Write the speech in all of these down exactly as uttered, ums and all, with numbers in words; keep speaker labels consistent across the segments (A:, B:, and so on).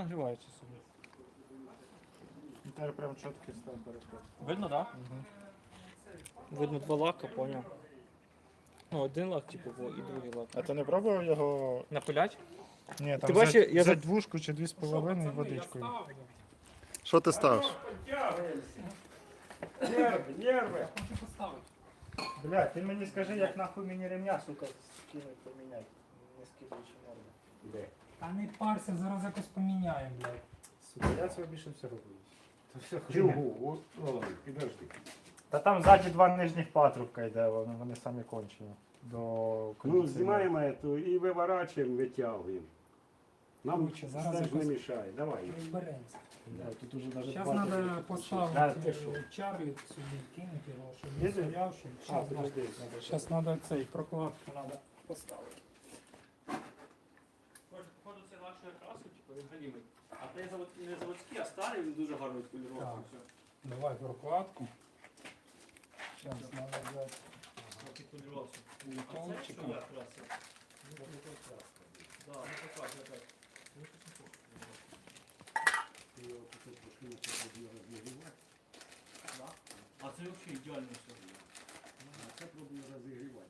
A: нагрівається собі.
B: І тепер прям чіткий став переход.
A: Видно, так? Да? Угу. Видно два лака, поняв. Ну, один лак, типу, і другий лак.
B: А ти не пробував його?
A: Напилять?
B: Ні, там
A: Ти бачиш,
B: взять,
A: я
B: взять
A: за-
B: двушку чи дві з половиною водичкою.
C: Що ти ставиш?
D: Нерви, нерви.
B: Блядь, ти мені скажи, як нахуй мені ремня, сука, скинуть поміняти. Не скидуючи нерви.
D: Де?
E: Та не парся, зараз якось поміняємо, блядь.
B: Сука, я цього більше все роблю. Це все хуйня.
D: Чого? О, підожди.
B: Та там ззаді два нижніх патрубка йде, вони, вони самі кончені. До
D: Ну,
B: кондиціонера.
D: знімаємо эту і виворачуємо, витягуємо. Нам
E: Короче, зараз
D: це ж не
E: якось-
D: мішає. Давай.
E: Розберемося.
B: Да, тут уже навіть
E: Зараз
B: патрубки
E: треба
B: підключені.
E: поставити
B: Да, ти що?
E: е, Чарлі сюди, кинути його, щоб
B: Є
E: він
B: тут?
E: стояв, щоб
B: А,
E: час
B: подожди, надо ще.
E: Зараз треба цей прокладку треба поставити.
A: Походу це вашої краси, типу, він галімий. А той завод, не заводський, а старий, він дуже гарно відполірував.
E: Так.
A: Все.
E: Давай прокладку. Зараз треба взяти.
A: Відполірувався. А це що
E: Металчика.
A: я красив? Да, не покрасив так. Да? А це взагалі ідеально все.
D: А це пробую розігрівати.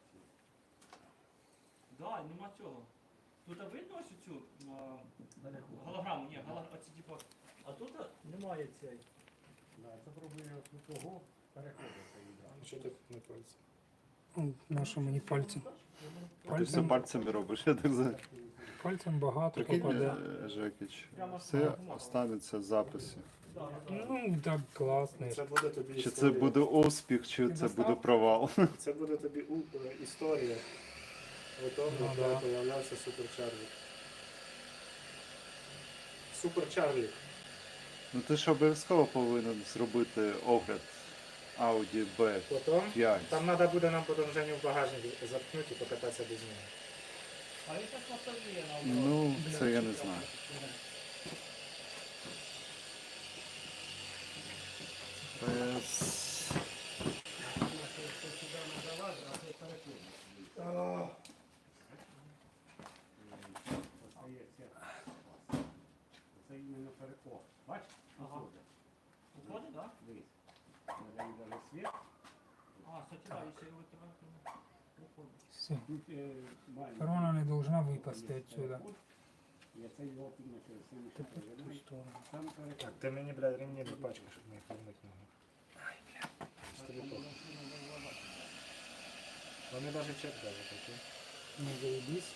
A: Да, нема цього. Тут видно ось цю а, голограму, ні, голограму, оці типу. А тут немає цієї.
D: Да, це пробую тут того переходити.
B: Що ти не пальці?
E: На що мені пальці?
C: Ти все
E: Пальцем,
C: пальцями робиш, я так знаю.
E: пальцем багато
C: Прикинь,
E: попаде.
C: е, Жекіч, все останеться в записі.
E: Ну, так класно.
B: Це буде тобі
C: Чи це
B: історія.
C: буде успіх, чи це буде провал.
B: Це буде тобі у- е, історія. Готово,
E: Ну,
B: коли
E: да.
B: появлявся Супер Чарлі. Супер Чарлі.
C: Ну ти ж обов'язково повинен зробити огляд Audi бі
B: Потім
C: п'ять.
B: там треба буде нам потім Женю в багажник заткнути і покататися без нього.
A: А він так поставляє на
C: Ну, це я не знаю. Без...
D: Це іменно переход. Бачиш?
A: Ага. Уходить, так?
D: Дивись. Надаю даже світ.
A: А, кстати, да, якщо його витягнути, уходить.
E: Все.
D: Тут е, маленький
E: Корона не должна випасти відсюди.
D: Я це його підно через це мішаю. Там переход.
B: Так, ти мені, блядь, ремні не пачкаєш, щоб не їх помити ногу. Ай, блядь. Вони навіть чек даже такі.
E: Не заебись.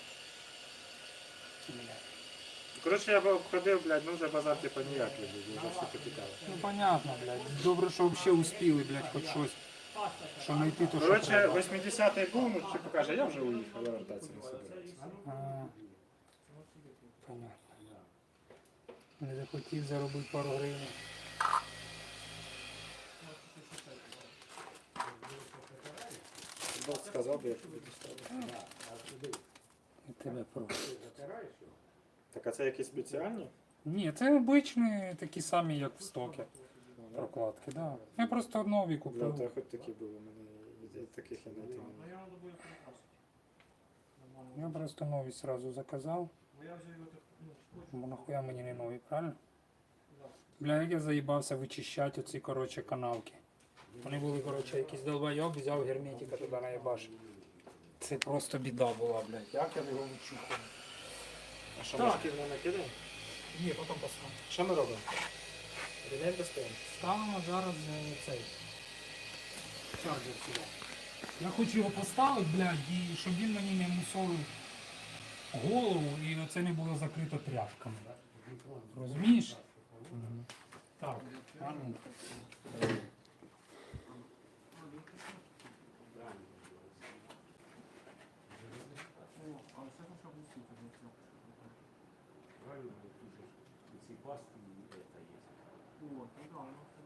B: Коротше, я б обходив, блядь, ну вже базар типа ніякий, блядь, вже всі потікали.
E: Ну понятно, блядь. Добре, що взагалі успіли, блядь, хоч щось. Що знайти, то що
B: Коротше,
E: треба.
B: восьмидесятий був, ну типу каже, я вже уїхав, я вертатися не собираюся.
E: А, понятно. Не захотів заробити пару гривень.
B: Бог сказав би, я тобі доставив.
E: І тебе прошу.
B: Так, а це якісь спеціальні?
E: Ні, це обичні такі самі, як в стокі. Прокладки, да. Я просто нові
B: Бля,
E: купив.
B: то хоч такі були, у мене і таких я знайти не
A: Ну
B: можу.
A: я надо буде перекрасити. Нормально.
E: Я просто нові сразу заказав.
A: Бо я вже його так, ну, хочу.
E: Бо нахуя мені не нові, правильно? Бля, як я заїбався вичищати оці, коротше, канавки. Вони були, коротше, якийсь долбойоб, взяв герметика туди наїбаш. Це просто біда була, блядь. Як я його відчухав?
B: А що,
E: Так.
B: ми шкірно накидаємо?
E: Ні, потім поставимо.
B: Що ми робимо? Ремень достаємо?
E: Ставимо зараз е, цей чарджер сюди. Я хочу його поставити, блядь, і щоб він мені не мусолив голову і оце не було закрито тряпками. Розумієш? Так, гарно.
A: Але все ж щоб усити, не треба.
D: Правильно, ці пасти і це є.
A: О, ну да, ну.